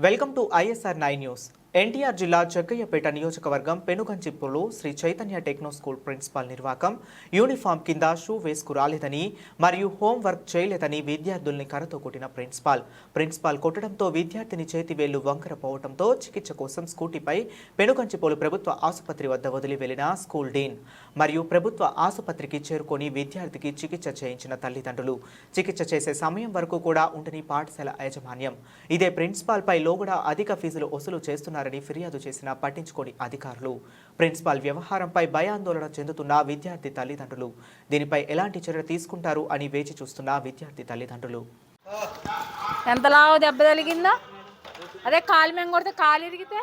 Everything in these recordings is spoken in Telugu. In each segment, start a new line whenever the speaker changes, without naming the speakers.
Welcome to ISR 9 news. NTR జిల్లా జగ్గయ్యపేట నియోజకవర్గం పెనుగంచిప్పులో Sri Chaitanya techno school principal నిర్వాకం యూనిఫామ్ కింద షూ వేసుకు రాలేదని మరియు హోంవర్క్ చేయలేదని విద్యార్థుల్ని కర్రతో కొట్టిన ప్రిన్సిపాల్ కొట్టడంతో విద్యార్థిని చేతివేళ్లు వంకర పోవడంతో చికిత్స కోసం స్కూటీపై పెనుగంచిపోలు ప్రభుత్వ ఆసుపత్రి వద్ద వదిలి వెళ్లిన స్కూల్ డీన్ మరియు ప్రభుత్వ ఆసుపత్రికి చేరుకొని విద్యార్థికి చికిత్స చేయించిన తల్లిదండ్రులు చికిత్స చేసే సమయం వరకు కూడా ఉండని పాఠశాల యాజమాన్యం ఇదే ప్రిన్సిపాల్పై లోగడ అధిక ఫీజులు వసూలు చేస్తున్నారు ఫిర్యాదు చేసిన పట్టించుకోని అధికారులు ప్రిన్సిపాల్ వ్యవహారంపై భయాందోళన చెందుతున్న విద్యార్థి తల్లిదండ్రులు దీనిపై ఎలాంటి చర్య తీసుకుంటారు అని వేచి చూస్తున్న విద్యార్థి తల్లిదండ్రులు.
ఎంతలా దెబ్బ తగిలిందా? అదే కాలు మేము కొడితే కాలు ఇరిగితే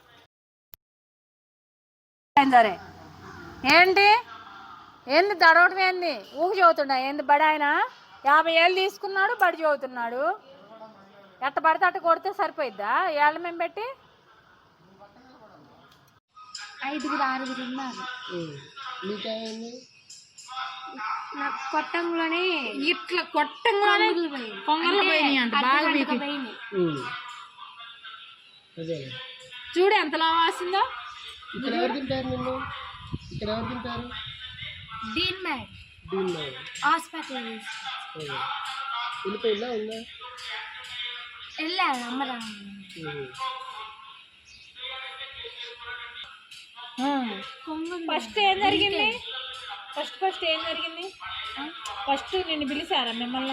సరే ఏంటి ఏంది దడవటం ఏంది ఊకి చదువుతున్నా ఏంది బడి ఆయన 50 ఏళ్ళు తీసుకున్నాడు బడి చదువుతున్నాడు ఎట్ట పడితే అట్ట కొడితే సరిపోయిద్దా? ఏళ్ళ మేము పెట్టి
5 6 ఉన్నారు. నాకు కొట్టంలోనే
ఇట్లా కొట్టంగానే పొంగలు పోయినాయి అంట బాగా చూడు ఎంతలా వాసిందో.
డీన్ మ్యాడ్ హాస్పిటల్ వెళ్ళాను అమ్మరా.
ఫస్ట్ ఏం జరిగింది? ఫస్ట్ నిన్ను పిలిచారా మిమ్మల్ని?